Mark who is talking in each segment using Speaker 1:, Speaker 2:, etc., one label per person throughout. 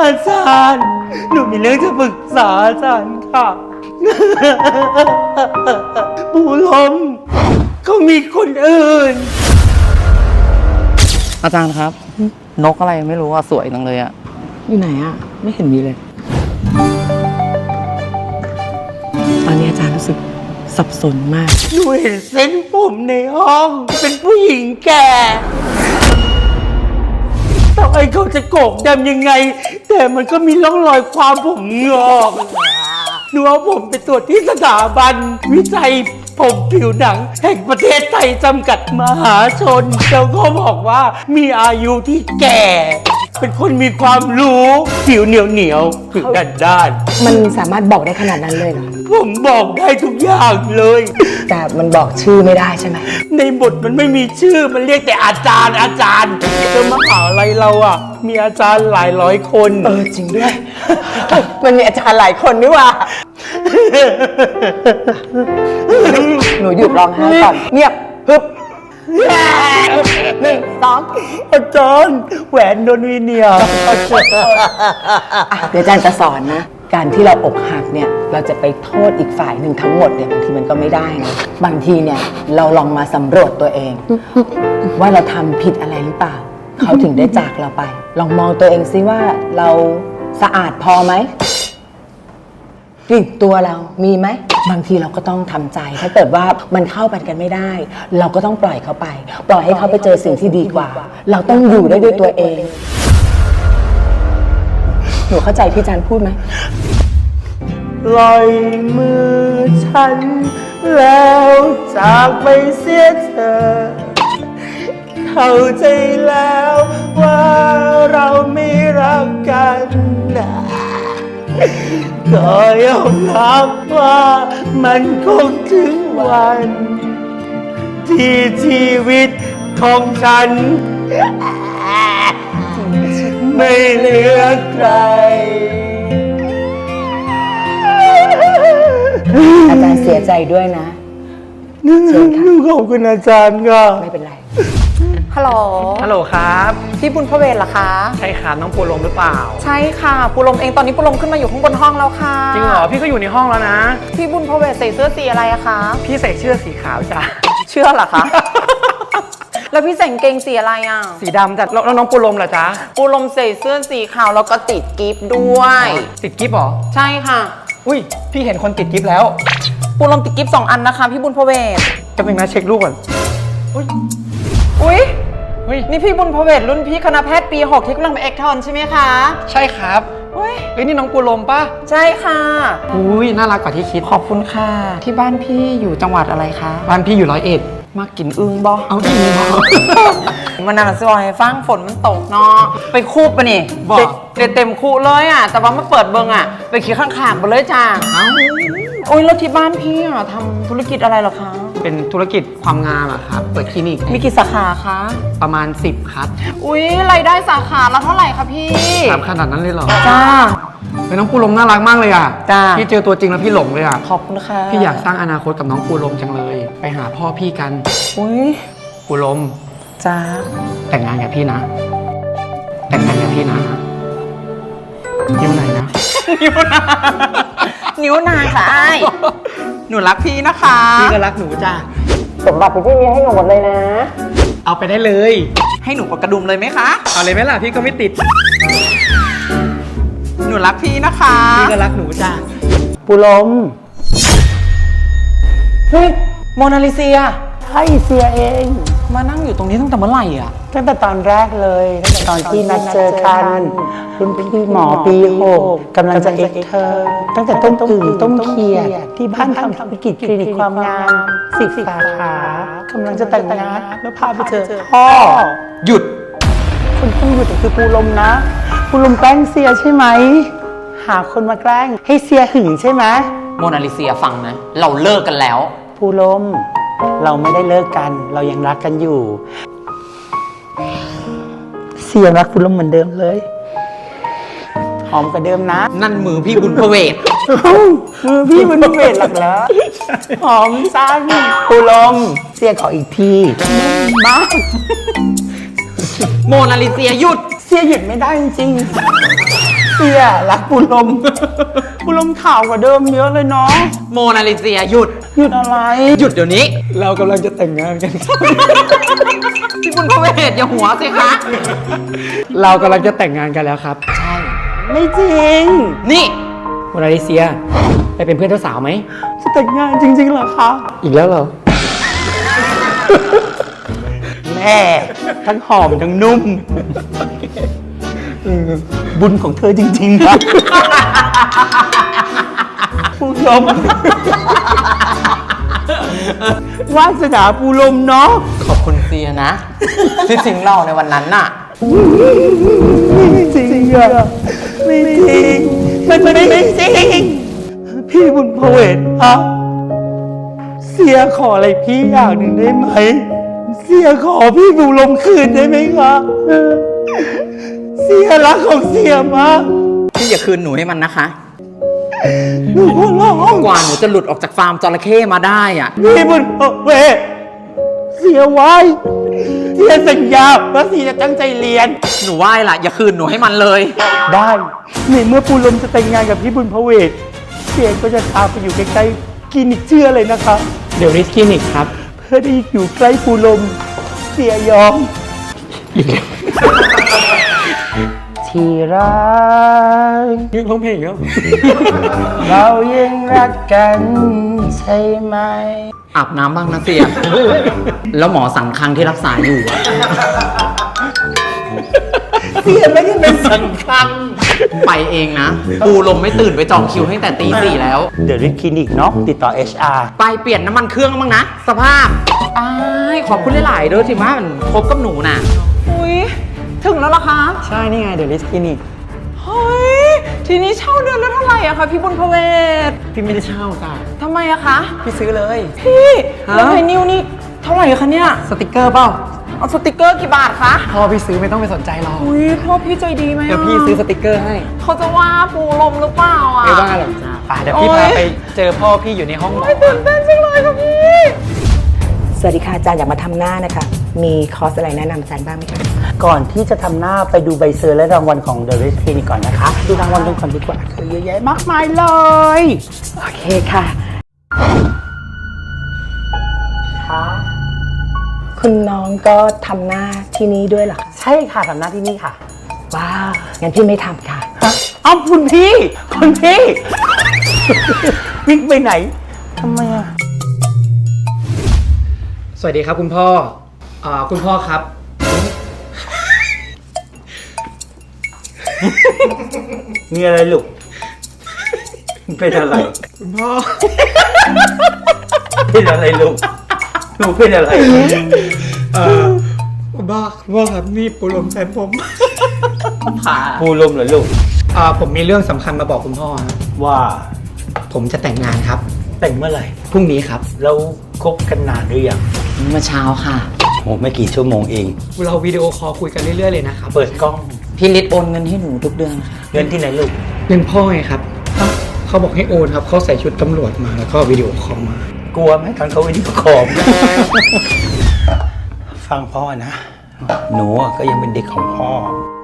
Speaker 1: อาจารย์หนูมีเรื่องจะปรึกษาอาจารย์ค่ะปู่ลมเขามีคนอื่น
Speaker 2: อาจารย์ครับนกอะไรไม่รู้ว่าสวยจังเลยอะอยู่ไหนอะไม่เห็นมีเลยตอนนี้อาจารย์รู้สึกสับสนมาก
Speaker 1: หนูเห็นเส้นผมในห้องเป็นผู้หญิงแก่ต่อให้เขาจะโกกดำยังไงแต่มันก็มีร่องรอยความผมงอกหนูเอาผมไปตรวจที่สถาบันวิจัยผมผิวหนังแห่งประเทศไทยจำกัดมหาชนแล้วก็บอกว่ามีอายุที่แก่ เป็นคนมีความรู้ผิวเหนียวผิวด้าน
Speaker 3: มันสามารถบอกได้ขนาดนั้นเลยเหรอ
Speaker 1: ผมบอกได้ทุกอย่างเลย
Speaker 3: แต่มันบอกชื่อไม่ได้ใช่ไหม
Speaker 1: ในบทมันไม่มีชื่อมันเรียกแต่อาจารย์แล้วมหาลัยเราอ่ะมีอาจารย์หลายร้อยคน
Speaker 3: จริงด้วย มันมีอาจารย์หลายคนนี่ว่า หนูหยุดร้องไห้ก่อนเงียบฮึบ1 2
Speaker 1: อาจารย์แหวนโดนวีเนีย
Speaker 3: เดี๋ยวอาจารย์จะสอนนะ การที่เราอกหักเนี่ยเราจะไปโทษอีกฝ่ายหนึ่งทั้งหมดเนี่ยบางทีมันก็ไม่ได้นะบางทีเนี่ยเราลองมาสำรวจตัวเอง ว่าเราทำผิดอะไรหรือเปล่าเขาถึงได้จากเราไป ลองมองตัวเองซิว่าเราสะอาดพอไหมนี่ตัวเรามีไหมบางทีเราก็ต้องทำใจถ้าเกิดว่ามันเข้ากันไม่ได้ เราก็ต้องปล่อยเขาไป ปล่อยให้เขาไปเจอสิ่งที่ดีกว่า เราต้องอยู่ได้ด้วยตัวเองหนูเข้าใจที่อาจารย์พูดไหม
Speaker 1: ปล่อยมือฉันแล้วจากไปเสียเธอเข้าใจแล้วว่าเราไม่รักกันนะก็ยอมรับว่ามันคงถึงวันที่ชีวิตของฉันไม่เหลือใคร
Speaker 3: อาจารย์เสียใจด้วยนะ
Speaker 1: เชิญค่ะขอบคุณอาจารย์ค่ะ
Speaker 3: ไม่เป็นไร
Speaker 4: ฮัลโหล
Speaker 2: ฮัลโหลครับ
Speaker 4: พี่บุญพระเวทเหรอคะ
Speaker 2: ใช่ครับน้องปูลมหรือเปล่า
Speaker 4: ใช่ค่ะปูลมเองตอนนี้ปูลมขึ้นมาอยู่ข้างบนห้องแล้วค่ะ
Speaker 2: จริงเหรอพี่ก็อยู่ในห้องแล้วนะ
Speaker 4: พี่บุญพระเวทใส่เสื้อสีอะไรอะคะ
Speaker 2: พี่ใส่เสื้อสีขาวจ้ะ
Speaker 4: เชื่อเหรอคะ แล้วพี่ใส่กางเกงสีอะไรอะ
Speaker 2: สีดำจ้ะแล้วน้องปูลมล่ะจ๊ะ
Speaker 4: ปูลมใส่เสื้อสีขาวแล้วก็ติดกิฟต์ด้วย
Speaker 2: ติดกิฟต์เหรอ
Speaker 4: ใช่ค่ะ
Speaker 2: อุ้ยพี่เห็นคนติดกิฟต์แล้ว
Speaker 4: ปูลมติดกิฟต์2 อันนะคะพี่บุญพระเวท
Speaker 2: จะเป็นนะเช็ครูปก่อนอุ้ย
Speaker 4: อุ๊ย
Speaker 2: เฮ้ย
Speaker 4: นี่พี่บุญพระเวทรุ่นพี่คณะแพทย์ปี 6ที่กำลังเป็นเอกทอนใช่ไหมคะ
Speaker 2: ใช่ครับ
Speaker 4: อุ๊ย
Speaker 2: เฮ้ยนี่น้องปูลมป่ะ
Speaker 4: ใช่ค่ะ
Speaker 2: อุ้ยน่ารักกว่าที่คิด
Speaker 4: ขอบคุณค่ะ ที่บ้านพี่อยู่จังหวัดอะไรคะ
Speaker 2: บ้านพี่อยู่101
Speaker 4: มากินอึ้งบ่
Speaker 2: เอาจริงเหรอ
Speaker 4: มันน่าจะให้ฟังฝนมันตกเนาะไปคูบปะนี่
Speaker 2: บอก
Speaker 4: เต็มคูเลยอ่ะแต่ว่ามาเปิดเบิงอ่ะไปขี่ข้างๆไปเลยจ้า
Speaker 2: เอ้า
Speaker 4: โอ้ยแล้วที่บ้านพี่อ่ะทำธุรกิจอะไรเหรอคะ
Speaker 2: เป็นธุรกิจความงามอะครับ เปิดคลินิก
Speaker 4: มีกี่สาขาคะ
Speaker 2: ประมาณ10ครับ
Speaker 4: อุ้ยรายได้สาขาละเท่าไหร่คะพี่
Speaker 2: ถามขนาดนั้นเลยเหรอ
Speaker 4: จ้า
Speaker 2: เป็นน้องปูลมน่ารักมากเลยอะ
Speaker 4: จ้า
Speaker 2: พี่เจอตัวจริงแล้วพี่หลงเลยอะ
Speaker 4: ขอบคุณค่ะ
Speaker 2: พี่อยากสร้างอนาคตกับน้องปูลมจังเลย ไปหาพ่อพี่กัน
Speaker 4: อุ้ย
Speaker 2: ปูลม
Speaker 4: จ้า
Speaker 2: แต่งงานกับพี่นะ แต่งงานกับพี่นะยิ้มไหนนะ
Speaker 4: นิ้วนางค่ะไอ้หนูรักพี่นะคะ
Speaker 2: พี่ก็รักหนูจ้า
Speaker 3: สมบัติพี่มีให้หนูหมดเลยนะ
Speaker 2: เอาไปได้เลย
Speaker 4: ให้หนูกดกระดุมเลยไหมคะ
Speaker 2: เอาเลยไหมล่ะพี่ก็ไม่ติด
Speaker 4: หนูรักพี่นะคะ
Speaker 2: พี่ก็รักหนูจ้า
Speaker 1: ปุลม
Speaker 4: เฮ้ยโมนาลิเซีย
Speaker 1: ให้เสียเอง
Speaker 4: มานั่งอยู่ตรงนี้ตั้งแต่เมื่อไหร่อ่ะ
Speaker 1: ตั้งแต่ตอนแรกเลยตั้งแต่ตอนที่นัดเจอกันรุ่นพี่หมอปี6กำลังจะเอกเธอตั้งแต่ต้มอึ่งต้มเขียดที่บ้านทำธุรกิจคลินิกความงาม10 สาขากำลังจะแต่งงานแล้วพาไปเจอพ่อ
Speaker 2: หยุด
Speaker 1: คนต้องหยุดคือปูลมนะปูลมแกล้งเสียใช่ไหมหาคนมาแกล้งให้เสียหึงใช่ไหม
Speaker 4: โมนาลิเซียฟังนะ เราเลิกกันแล้ว
Speaker 1: ปูลมเราไม่ได้เลิกกันเรายังรักกันอยู่เสียรักปูลมเหมือนเดิมเลยหอมกว่าเดิมนะ
Speaker 2: นั่นมือพี่บุญพระเวท
Speaker 1: มือพี่มันเวทหลักแล้วหอมสั้นปูลมเสียขออีกทีบ้า
Speaker 4: โมนาลิเซียหยุด
Speaker 1: เสียหยุดไม่ได้จริงๆเสีเสียรักปูลม ปูลมข่าวกว่าเดิมเยอะเลยเนาะ
Speaker 4: โมนาลิเซียหยุด
Speaker 1: หยุดอะไร
Speaker 4: หยุดเดี๋ยวนี้
Speaker 2: เรากำลังจะแต่งงานกันครับ
Speaker 4: พี่บุญพเวทอย่าหัวสิคะ
Speaker 2: เรากำลังจะแต่งงานกันแล้วครับ
Speaker 4: ใช่
Speaker 1: ไม่จริง
Speaker 4: นี่
Speaker 2: โมนาลิเซีย ไปเป็นเพื่อนเจ้าสาวไหม
Speaker 1: จะแต่งงานจริงๆเหรอคะ
Speaker 2: อีกแล้วเหรอ
Speaker 1: แม่ทั้งหอมทั้งนุ่มบุญของเธอจริงๆนะปูลมวาสนาปูลมเนาะ
Speaker 4: ขอบคุณเซียนะ ที่ทิ้งเราในวันนั้นน่ะ
Speaker 1: ไม่จริงอะไม่จริงมันไม่จริงพี่บุญพเวทครับเสียขออะไรพี่อย่างหนึ่งได้ไหมเสียขอพี่ปูลมคืนได้ไหมครับเสียรักของเสียมาก
Speaker 4: พี่อย่าคืนหนูให้มันนะคะ
Speaker 1: หนูขอร้อง
Speaker 4: กว่าหนูจะหลุดออกจากฟาร์มจระเข้มาได้อ่ะ
Speaker 1: พี่บุญพเวทเสียไว้เสียสัญญาว่าเสียจะตั้งใจเรียน
Speaker 4: หนูไหว้ล่ะ อย่าคืนหนูให้มันเลย
Speaker 1: ได้ในเมื่อปูลมจะแต่งงานกับพี่บุญพเวทเสียก็จะพาไปอยู่ใกล้ๆคลินิกเชื่อเลยนะคะ
Speaker 2: เดี๋ยวริสคลินิกครับ
Speaker 1: เพื่อได้อยู่ใกล้ปูลมเสียยอมที่รัก
Speaker 2: ยืนร้องเพลงแล้ว
Speaker 1: เรายังรักกันใช่ไหม
Speaker 4: อาบน้ำบ้างนะเสีย แล้วหมอสั่งคังที่รักษาอยู่อะ
Speaker 1: เสียไม่ได้เป็นสังคัง
Speaker 4: ไปเองนะ ปูลมไม่ตื่นไปจองคิวให้แต่ตี 4แล้ว
Speaker 1: เดี๋ยวรีบคลินิกเนาะติดต่อ HR
Speaker 4: ไปเปลี่ยนน้ำมันเครื่องบ้างนะ สภาพอ้ายขอบคุณหลายๆเด้อที่มามันคบกับหนูน่ะ อุ้ยถึงแล้วเหรอคะ
Speaker 2: ใช่ นี่ไง เดี๋ยวริสคลินิก
Speaker 4: เฮ้ย ทีนี้เช่าเดือนละเท่าไหร่อะคะพี่บุญพเวท
Speaker 2: พี่ไม่ได้เช่าจ้ะ
Speaker 4: ทำไมอะคะ
Speaker 2: พี่ซื้อเลย
Speaker 4: พี่
Speaker 2: ฮะ
Speaker 4: แล้วไอ้นิวนี่เท่าไหร่คะเนี่ย
Speaker 2: สติกเกอร์เปล่า
Speaker 4: เอาสติกเกอร์กี่บาทคะ
Speaker 2: พ่อพี่ซื้อไม่ต้องไปสนใจหรอก
Speaker 4: อุ้ยพ่อพี่ใจดีไหมะ
Speaker 2: เดี๋ยวพี่ซื้อสติกเกอร์ให้
Speaker 4: เขาจะว่าปูลมหรือเปล่าอะ
Speaker 2: ไม่ว่าหรอกจ้าป่ะเดี๋ยวพี่
Speaker 4: โอ๊
Speaker 2: พาย ไปเจอพ่อพี่อยู่ในห้องหมอ
Speaker 4: ไม่ตื่นเต้นจังเลยค่ะพี่
Speaker 3: สวัสดีค่ะอาจารย์อยากมาทำหน้านะคะ มีคอร์สอะไรแนะนำอาจารย์บ้างไหมคะ
Speaker 1: ก่อนที่จะทำหน้าไปดูใบเซอร์และรางวัลของ The Red Clinic ก่อนนะคะ ดูรางวัลกันก่อนดีกว่าคือเยอะแยะมากมายเลย
Speaker 3: โอเคค่ะ
Speaker 1: ค่ะ
Speaker 3: คุณน้องก็ทำหน้าที่นี้ด้วยเหรอคะ
Speaker 1: ใช่ค่ะทำหน้าที่นี่ค่ะ
Speaker 3: ว้าว งั้นพี่ไม่ทำค่ะ
Speaker 1: เอ้าคุณพี่ คุณพี่ วิ่งไปไหนทำไมอ่ะ
Speaker 2: สวัสดีครับคุณพ่อ คุณพ่อครับ
Speaker 1: มีอะไรลูกเป็นอะไร
Speaker 2: คุณพ่อ
Speaker 1: เป็นอะไรลูกหนูเป็นอะไร
Speaker 2: คุณพ่อครับนี่ปูลมแฟนผม
Speaker 1: ปูลมเหรอลูก
Speaker 2: ผมมีเรื่องสำคัญมาบอกคุณพ่อฮะ
Speaker 1: ว่า
Speaker 2: ผมจะแต่งงานครับ
Speaker 1: แต่งเมื่อไหร่
Speaker 2: พรุ่งนี้ครับ
Speaker 1: แล้วคบกันนานหรือยัง
Speaker 4: เมื่อเช้าค่ะ
Speaker 1: โอ้ไม่กี่ชั่วโมงเอง
Speaker 2: เราวิดีโอคอลคุยกันเรื่อยๆเลยนะครับ
Speaker 1: เปิดกล้อง
Speaker 4: พี่ฤทธิ์โอนเงินให้หนูทุกเดือนค่ะ
Speaker 1: เงินที่ไหนลูก
Speaker 2: เรื่องพ่อไงครับ เขาบอกให้โอนครับเขาใส่ชุดตำรวจมาแล้วก็วิดีโอคอลมา
Speaker 1: กลัวไหมตอนเขาวิดีโอคอล ฟังพ่อนะ หนูอะก็ยังเป็นเด็กของพ่อ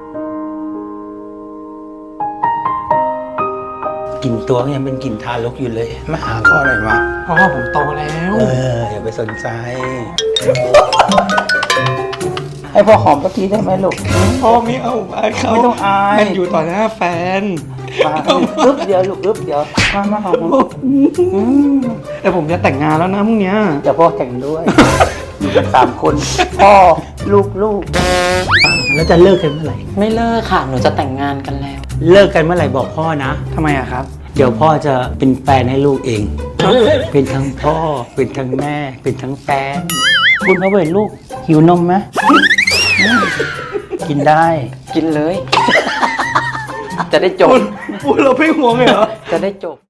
Speaker 1: กลิ่นตัวก็ยังเป็นกลิ่นทารกอยู่เลย มาหาพ่อหน่อยมา
Speaker 2: พ่อผมโตแล้ว
Speaker 1: อย่าไปสนใจ ให้พ่อหอมสักทีได้ไหมลูก
Speaker 2: พ่อไม่เอาเขา
Speaker 1: ไม่ต้องอาย
Speaker 2: มันอยู่ต่อหน้าแฟน
Speaker 1: มาอึ๊บเดียวลูกอึ๊บเดียวมาหอม
Speaker 2: แต่ผมจะแต่งงานแล้วนะพรุ่งเนี้ย
Speaker 1: เดี๋ยวพ่อแต่งด้วย อยู่กัน3 คน พ่อลูกแล้วจะเลิกกันเมื่อไหร่
Speaker 4: ไม่เลิกค่ะ หนูจะแต่งงานกันแล้ว
Speaker 1: เลิกกันเมื่อไหร่บอกพ่อนะ
Speaker 2: ทำไมอะครับ
Speaker 1: เดี๋ยวพ่อจะเป็นแฟนให้ลูกเอง เป็นทั้งพ่อ เป็นทั้งแม่ เป็นทั้งแฟน คุณพ่อเป็นลูก หิวนมไหมกินได้
Speaker 4: กินเลย จะได้จบ
Speaker 2: พูดเราไม่ห่วงเลยเหรอ
Speaker 4: จะได้จบ